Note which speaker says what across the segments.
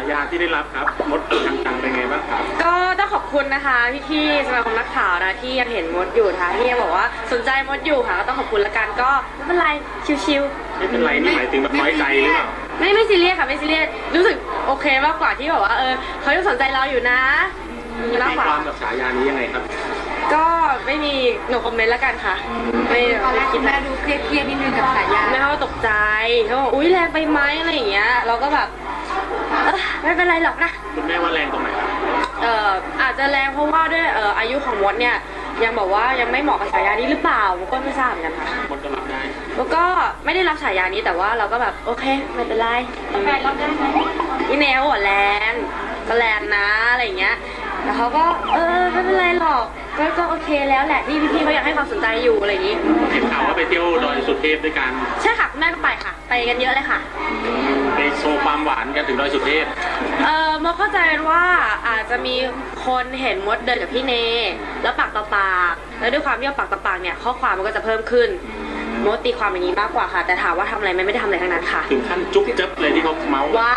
Speaker 1: ายาที่ได้รับครับมดจังเป็นไงบ้างครับ
Speaker 2: ก็ต้องขอบคุณนะคะพี่ๆสมาคมนักข่าวนะที่ยังเห็นมดอยู่นะคะที่ยังบอกว่าสนใจมดอยู่ค่ะก็ต้องขอบคุณละกันก็ไม่เป็นไรชิวๆ
Speaker 1: ไม่เป็นไรนี่หมายถึงแบบน้อยใจหรือเปล่า
Speaker 2: ไม่ซีเรียสค่ะไม่ซีเรียสรู้สึกโอเคมากกว่าที่แบบว่าเขายังสนใจเราอยู่นะมีมากกว่า
Speaker 1: ความกับฉายานี้ยังไงครับ
Speaker 2: ก็ไม่มีหนูคอมเมนต์ละกันค่ะไม่
Speaker 3: ตอนแรกคิดแม่ดูเครียดนิดนึงกับฉายา
Speaker 2: แม่เขาตกใจเขาบอกอุ้ยแรงไปไหมอะไรอย่างเงี้ยเราก็แบบไม่เป็นไรหรอกนะ
Speaker 1: คุณแม่ว่าแรงตรงไหนครับ
Speaker 2: อาจจะแรงเพราะว่าด้วยอายุของมดเนี่ยยังบอกว่ายังไม่เหมาะกับฉายานี้หรือเปล่าก็ไม่ทราบเหมือนกันค่ะ
Speaker 1: มดก็รับได้
Speaker 2: แล้วก็ไม่ได้รับฉายานี้แต่ว่าเราก็แบบโอเคไม่เป็นไร
Speaker 3: แฟนรับได้ไหม
Speaker 2: พี่แนวหัวแรงก็แรงนะอะไรอย่างเงี้ยแต่เขาก็ไม่เป็นไรหรอกก็โอเคแล้วแหละที่พี่เขาอยากให้ความสนใจอยู่อะไรอย่างงี้
Speaker 1: เห็นข่าวว่าไปเที่ยวดอยสุเทพด้วยกัน
Speaker 2: ใช่ค่ะแม่ก็ไปค่ะไปกันเยอะเลยค่ะ
Speaker 1: ไปโชว์ความหวานกันถึงดอยสุเทพ
Speaker 2: มดเข้าใจว่าอาจจะมีคนเห็นมดเดินกับพี่เนแล้วปากต่อปากแล้วด้วยความที่ปากต่อปากเนี่ยข้อความมันก็จะเพิ่มขึ้นมดตีความอย่างนี้มากกว่าค่ะแต่ถามว่าทำอะไรไม่ได้ทำอะไรทั้งนั้นค่ะ
Speaker 1: ถึงขั้นจุ๊บจ๊บเลยที่เขาเมาส์
Speaker 2: ไว้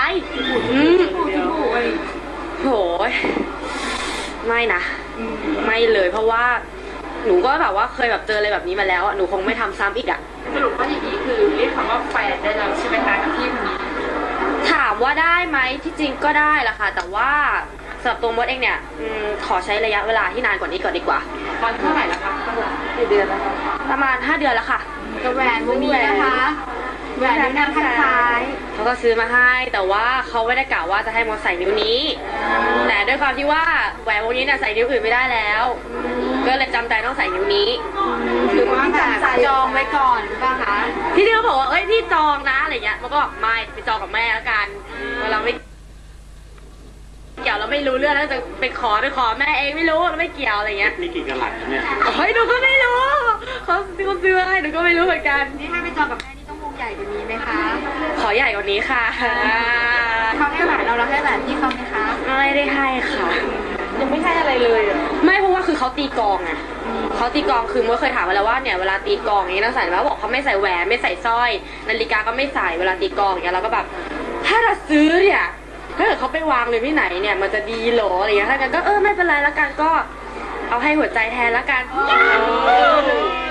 Speaker 2: โหไม่นะไม่เลยเพราะว่าหนูก็แบบว่าเคยแบบเจออะไรแบบนี้มาแล้วหนูคงไม่ทำซ้ำอีกอ่ะ
Speaker 3: สรุปว่าอย่างนี้คือเรียกคำว่าแฟนได้แล้วใช่ไหมคะกับพี่คนนี้
Speaker 2: ถามว่าได้ไหมที่จริงก็ได้ละค่ะแต่ว่าสำหรับตัวมดเองเนี่ยขอใช้ระยะเวลาที่นานกว่านี้ก่อนดีกว่า
Speaker 3: ตอนเท่าไหร่ละคะกี่เดือนแล้วคะ
Speaker 2: ประมาณ5 เดือนแล้วค่ะ
Speaker 3: กับแหวนวงนี้นะคะแหวนนิ้วนางข้างซ้าย
Speaker 2: เขาก็ซื้อมาให้แต่ว่าเขาไม่ได้กล่าวว่าจะให้มดใส่นิ้วนี้แต่ด้วยความที่ว่าแหวนวงนี้เนี่ยใส่นิ้วอื่นไม่ได้แล้วก็เลยจำใจต้องใส่นิ้วนี้
Speaker 3: หรือว่าแบบจองไว้ก่อนหรือเปล่าคะ
Speaker 2: พี่เขาบอกว่าพี่จองนะอะไรเงี้ยมันก็บอกไม่ไปจองกับแม่แล้วกันเราไม่เกี่ยวเราไม่รู้เรื่องแล้วจะไปขอแม่เองไม่รู้เราไม่เกี่ยวอะไรเงี้ย
Speaker 1: มีกี่กะลัดเนี่ย
Speaker 2: หนูก็ไม่รู้เขาซื้อให้หนูก็ไม่รู้เหมือนกัน
Speaker 3: นี่ถ้าไปจองกับแม่นี่ต้องวงใหญ่กว่านี้ไหมคะ
Speaker 2: ขอใหญ่กว่านี้ค่ะ
Speaker 3: เขาให้แหวนเราให้แหวนพี่เขาไหมคะ
Speaker 2: ไม่ได้ให้ค่ะ
Speaker 3: ยังไม่ให้อะไรเลย
Speaker 2: ไม่เพราะว่าคือเขาตีกองไงเขาตีกองคือเมื่อเคยถามมาแล้วว่าเนี่ยเวลาตีกองอย่างนี้ต้องใส่แล้วบอกเขาไม่ใส่แหวนไม่ใส่สร้อยนาฬิกาก็ไม่ใส่เวลาตีกองอย่างเงี้ยเราก็แบบถ้าเราซื้อเนี่ยถ้าเกิดเขาไปวางเลยที่ไหนเนี่ยมันจะดีหรออะไรอย่างเงี้ยถ้ากันก็ไม่เป็นไรละกันก็เอาให้หัวใจแทนละกัน